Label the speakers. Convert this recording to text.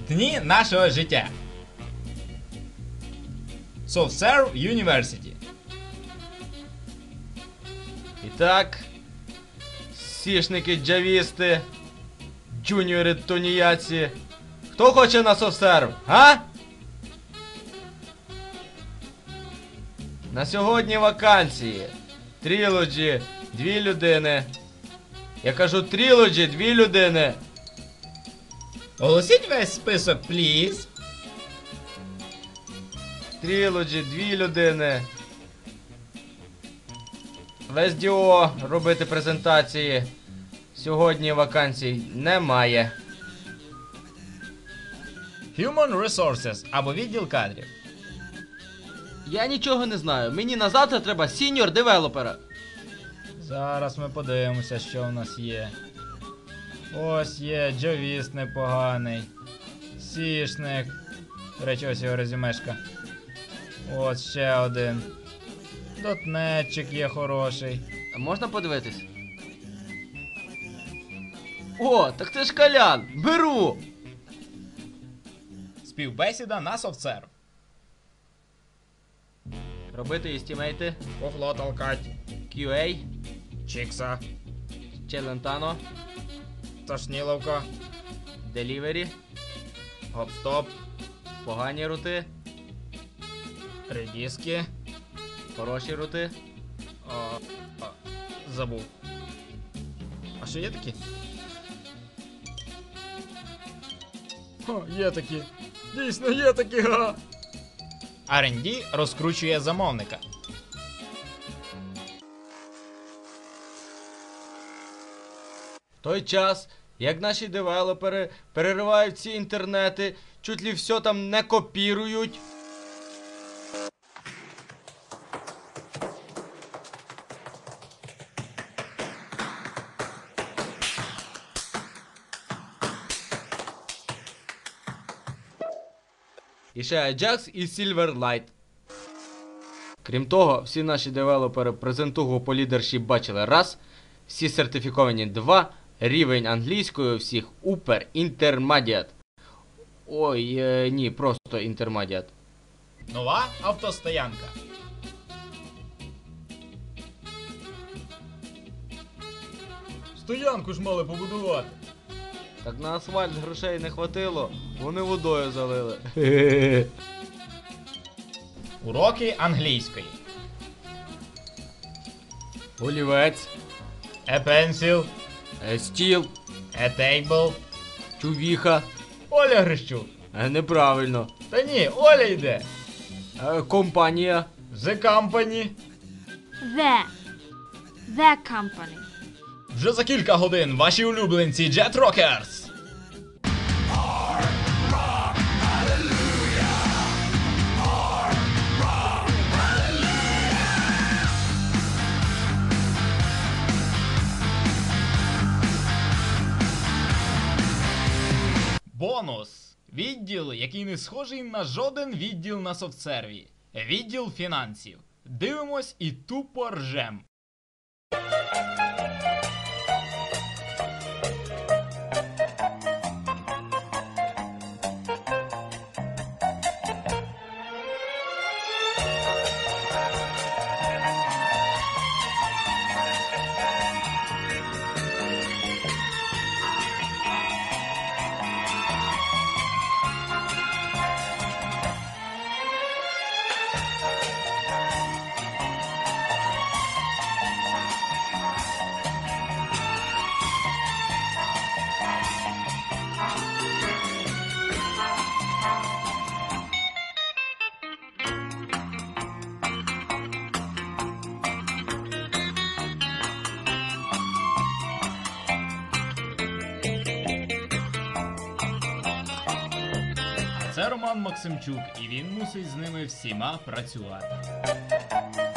Speaker 1: Дні нашого життя. SoftServe University.
Speaker 2: І так, сішники, джавісти, джуніори, тоніяці. Хто хоче на SoftServe, а? На сьогодні вакансії. Trilogy, 2 людини. Я кажу Trilogy, 2 людини.
Speaker 1: Оголосіть весь список, пліз.
Speaker 2: Trilogy, 2 людини. В SDO робити презентації. Сьогодні вакансій немає.
Speaker 1: Human Resources або відділ кадрів.
Speaker 2: Я нічого не знаю. Мені на завтра треба сіньор девелопера.
Speaker 1: Зараз ми подивимося, що в нас є. Ось є джавіст непоганий. Сішник. До речі, ось його резюмешка. Ось ще один. Дотнетчик є хороший.
Speaker 2: Можна подивитись? О, так це ж Колян! Беру!
Speaker 1: Співбесіда на SoftServe.
Speaker 2: Робити істімейти.
Speaker 1: Пофло толкать.
Speaker 2: QA.
Speaker 1: Чікса.
Speaker 2: Челентано.
Speaker 1: Тошніловка.
Speaker 2: Delivery.
Speaker 1: Гоп-стоп.
Speaker 2: Погані рути.
Speaker 1: Редіски.
Speaker 2: Хороші рути.
Speaker 1: Забув. А що є такі? Є такі. Дійсно є такі, га. R&D розкручує замовника.
Speaker 2: В той час, як наші девелопери переривають ці інтернети, чуть ли все там не копірують. І ще Ajax і Silverlight. Крім того, всі наші девелопери презентугу по лідершіп бачили раз, всі сертифіковані 2, рівень англійської у всіх Upper Intermediate. Ой, ні, просто Intermediate.
Speaker 1: Нова автостоянка. Стоянку ж мали побудувати.
Speaker 2: Так на асфальт грошей не хватило, вони водою залили.
Speaker 1: Уроки англійської.
Speaker 2: Олівець,
Speaker 1: A pencil.
Speaker 2: стіл,
Speaker 1: A table.
Speaker 2: чувіха.
Speaker 1: Оля Грищук.
Speaker 2: Неправильно.
Speaker 1: Та ні, Оля йде.
Speaker 2: Компанія.
Speaker 1: The company.
Speaker 3: The company.
Speaker 1: Вже за кілька годин ваші улюбленці Jet Rockers. Бонус. Відділ, який не схожий на жоден відділ на софтсерві. Відділ фінансів. Дивимось і тупо ржем. Це Роман Максимчук, і він мусить з ними всіма працювати.